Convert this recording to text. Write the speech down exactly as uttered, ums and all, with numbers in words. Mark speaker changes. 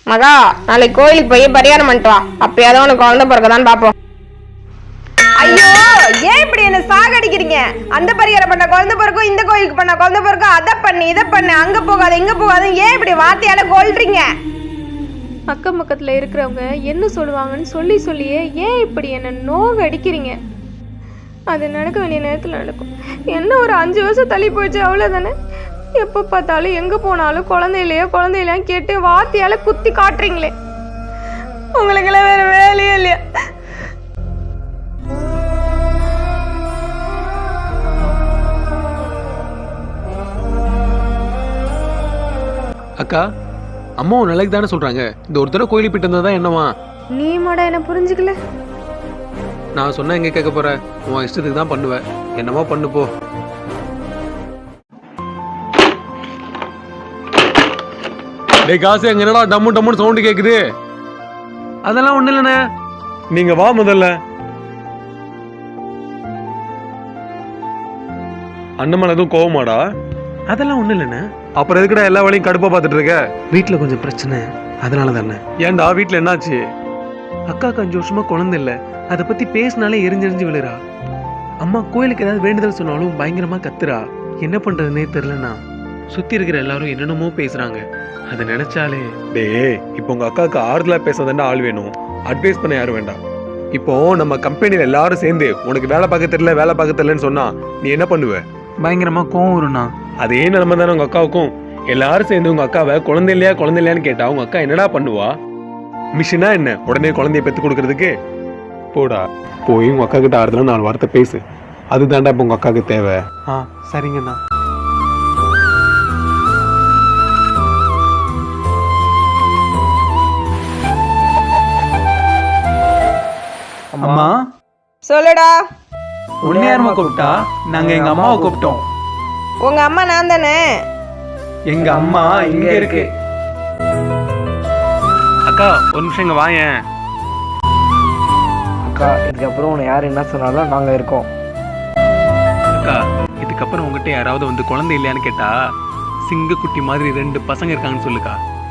Speaker 1: மகா, நாளைக்கு கோயிலுக்கு போய் பரிகாரம் பண்ணிட்டு வா. அப்பயாவது உனக்கு குழந்தை பிறக்கதான் பாப்போம்.
Speaker 2: ஐயோ, ஏன் இப்படி என்ன சாகடிக்கிறீங்க? அந்த பரிகாரம் பண்ண குழந்தை பிறக்கும், இந்த கோயிலுக்கு பண்ண குழந்தை பிறக்கும், அதை பண்ணு இதை பண்ணு, அங்க போகாது இங்க போகாது, ஏன் இப்படி வார்த்தையால கொல்றீங்க?
Speaker 3: அக்கம் பக்கத்தில் இருக்கிறவங்க என்ன சொல்லுவாங்கன்னு சொல்லி சொல்லியே ஏன் இப்படி என்ன நோவு அடிக்கிறீங்க? அது நடக்க வேண்டிய நேரத்தில் நடக்கும். என்ன ஒரு அஞ்சு வருஷம் தள்ளி போயிடுச்சு, அவ்வளோதானே. எப்போ பார்த்தாலும் எங்கே போனாலும் குழந்தையிலையோ குழந்தையிலையோ கேட்டு வார்த்தையால் குத்தி காட்டுறீங்களே. உங்களுக்கெல்லாம் வேறு வேலையே இல்லையா?
Speaker 4: அக்கா, அம்மா உன் நிலைக்கு தானே சொல்றாங்க. இந்த ஒரு தடவை கோயிலுக்கு போயிட்டு வந்தா தான் என்னவா?
Speaker 3: நீ மாடா என்ன புரிஞ்சுக்கல?
Speaker 4: நான் சொன்னா எங்க கேட்க போற? உன் இஷ்டத்துக்கு தான் பண்ணுவேன். என்னமோ பண்ணு போ. டேய் காசு, எங்க என்னடா டம்மு டம்முன்னு சவுண்டு கேக்குது? அதெல்லாம் ஒண்ணு இல்லண்ணே, நீங்க வா முதல்ல. அண்ணன் எதுவும் கோவமாடா? அதெல்லாம் ஒண்ணு இல்லண்ணே. அப்புறம் எதுக்குடா எல்லா வேலையும் கடுப்பா பார்த்துட்டு இருக்க? வீட்டுல கொஞ்சம் பிரச்சனை, அதனால தானே. ஏன்டா வீட்டுல என்னாச்சு? அக்காக்கு அஞ்சு வருஷமா குழந்தை இல்ல, அதை பத்தி பேசினாலே எரிஞ்செறிஞ்சு விழுறா. அம்மா கோயிலுக்கு ஏதாவது வேண்டுதல் சொன்னாலும் பயங்கரமா கத்துறா. என்ன பண்றதுன்னே தெரியலண்ணா. சுத்தி இருக்கிற எல்லாரும் என்னென்னமோ பேசுறாங்க. அதை நினைச்சாலே டே. இப்போ உங்க அக்காவுக்கு ஆறுதலா பேசாதாண்டா ஆள் வேணும், அட்வைஸ் பண்ண யாரும் வேண்டாம். இப்போ நம்ம கம்பெனியில எல்லாரும் சேர்ந்து உனக்கு வேலை பார்க்க தெரியல வேலை பார்க்க தெரியலன்னு சொன்னா நீ என்ன பண்ணுவ? பயங்கரமா கோவம் வரும்ண்ணா. அதே நிலைமை தானே உங்க அக்காவுக்கும். எல்லாரும் சேர்ந்து உங்க அக்காவை குழந்தை இல்லையா குழந்தை இல்லையான்னு கேட்டா உங்க அக்கா என்னடா பண்ணுவா? மிஷினா என்ன உடனே குழந்தைய பெத்து கொடுக்கறதுக்கு? போடா போய் உங்க அக்கா கிட்ட ஆறுதலா நாலு வார்த்தை பேசு. அதுதான்டா இப்போ உங்க அக்காவுக்கு தேவை. ஆ சரிங்கண்ணா.
Speaker 5: அம்மா
Speaker 2: சொல்லுடா.
Speaker 5: உன்னை யாருமா கூப்பிட்டா? நாங்க எங்க அம்மாவை கூப்பிட்டோம்.
Speaker 2: உங்க அம்மா நான் தானே.
Speaker 5: எங்க அம்மா இங்க இருக்கு.
Speaker 4: அக்கா ஒரு நிமிஷம் இங்க வாயேன்.
Speaker 6: அக்கா, இதுக்கப்புறம் உன்னை யார் என்ன சொன்னாலும் நாங்க இருக்கோம்.
Speaker 4: அக்கா, இதுக்கப்புறம் உங்ககிட்ட யாராவது வந்து குழந்தை இல்லையான்னு கேட்டா சிங்க குட்டி மாதிரி ரெண்டு பசங்க இருக்காங்கன்னு சொல்லுக்கா.